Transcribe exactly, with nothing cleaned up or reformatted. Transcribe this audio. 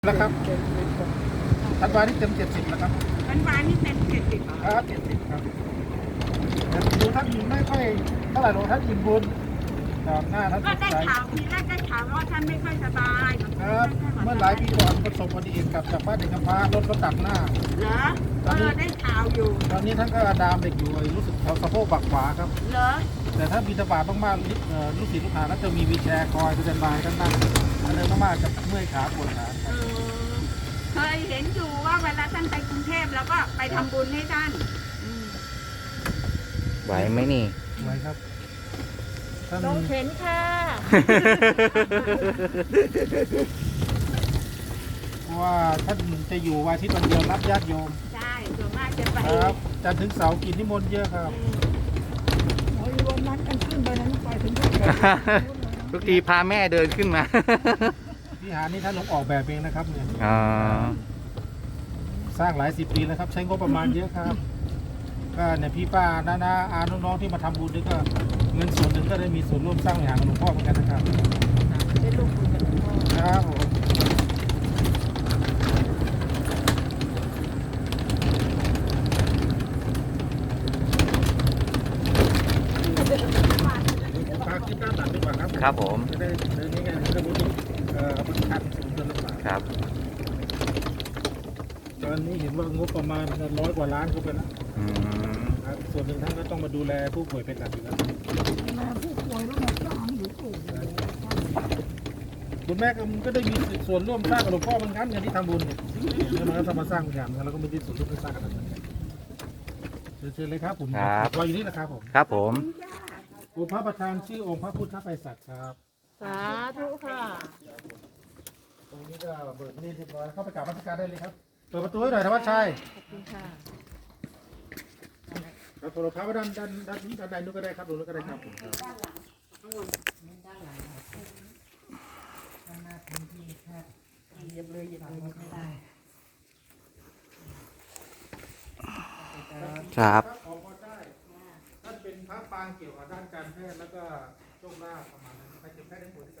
แล้วครับธันวาที่เต็มเจ็ดสิบแล้วครับธันวานี่เต็มเจ็ดสิบครับเจ็ดสิบครับแต่ดูท่านยินไม่ค่อยเท่าไหร่หรอกท่านยินบุญครับหน้าท่านสก็ดได้ใสข่าวทีแรกได้ข่าวว่าท่านไม่ค่อยสบายครับเมื่อหลายปีก่อนประสบอุบัติเหตุกับจากบ้านเด็กกำพร้ารถก็ตัดหน้าเหรอเออได้ข่าวอยู่ตอนนี้ท่านก็ดามเด็กอยู่รู้สึกเขาสะโพกบักขวาครับเหรอแต่ถ้าบิณฑบาตมากๆลูกศิษย์ลูกหาก็จะมีวีลแชร์คอยจะเป็นบายท่านนั่งอันนี้มากๆจะเมื่อยขาปวดขาเออเคยเห็นอยู่ว่าเวลาท่านไปกรุงเทพแล้วก็ไปทำบุญให้ท่านไหวไหมนี่ไหวครับต้องเข็นค่ะเพราะว่าท่านจะอยู่วันอาทิตย์วันเดียวรับญาติโยมใช่ส่วนมากจะไปครับจันทร์ถึงเสาร์กินนิมนต์เยอะครับโอ้ยวันนั้นกันขึ้นไปนั้นไปถึงทุกทีพาแม่เดินขึ้นมาวิหารนี้ท่านลงออกแบบเองนะครับเนี่ยสร้างหลายสิบปีแล้วครับใช้งบประมาณเยอะครับก็เนี่ยพี่ป้าน้าน้าอาน้องๆที่มาทำบุญด้วยก็เงินส่วนหนึ่งก็ได้มีส่วนร่วมสร้างวิหารของหลวงพ่อเหมือนกันนะครับได้ร่วมบุญกับหลวงพ่อครับผมฝากคิดหน้าตัดดีกว่าครับครับผมจะได้เดินง่ายๆจะได้บุญเอ่อบุญชันสูงเกินหรือเปล่าครับตอนนี้เห็นว่างบประมาณร้อยกว่าล้านก็เป็นแล้วส่วนหนึ่งท่านก็ต้องมาดูแลผู้ป่วยเป็นหลักอยู่แล้วมาผู้ป่วยแล้วมาสร้างอยู่ถูกคุณแม่ก็ได้มีส่วนร่วมสร้างกับหลวงพ่อเหมือนกันอย่างที่ทำบุญเนี่ยแล้วมันก็ทำมาสร้างอย่างนั้นแล้วก็มีส่วนร่วมในสร้างกันเชิญเลยครับผมรออยู่นี่นะครับผมครับผมองค์พระประธานชื่อองค์พระพุทธไพศาลครับสาธุค่ะตรงนี้ก็เปิดนี่เรียบร้อยเข้าไปกราบพระการได้เลยครับเปิดประตูให้หน่อยธวัชชัยขอบคุณค่ะครับโทรศัพท์ด้านด้านด้านนี้ด้านใดนู้นก็ได้ครับตรงนู้นก็ได้ครับผมด้านหลังข้างบนด้านหลังด้านหน้าพื้นที่แคบเย็บเลยเย็บเลยไม่ได้ครับขอพรได้ท่านเป็นพระปางเกี่ยวกับด้านการแพทย์แล้วก็โชคลาภประมาณนั้นใครเจ็บแพทย์ได้ผลที่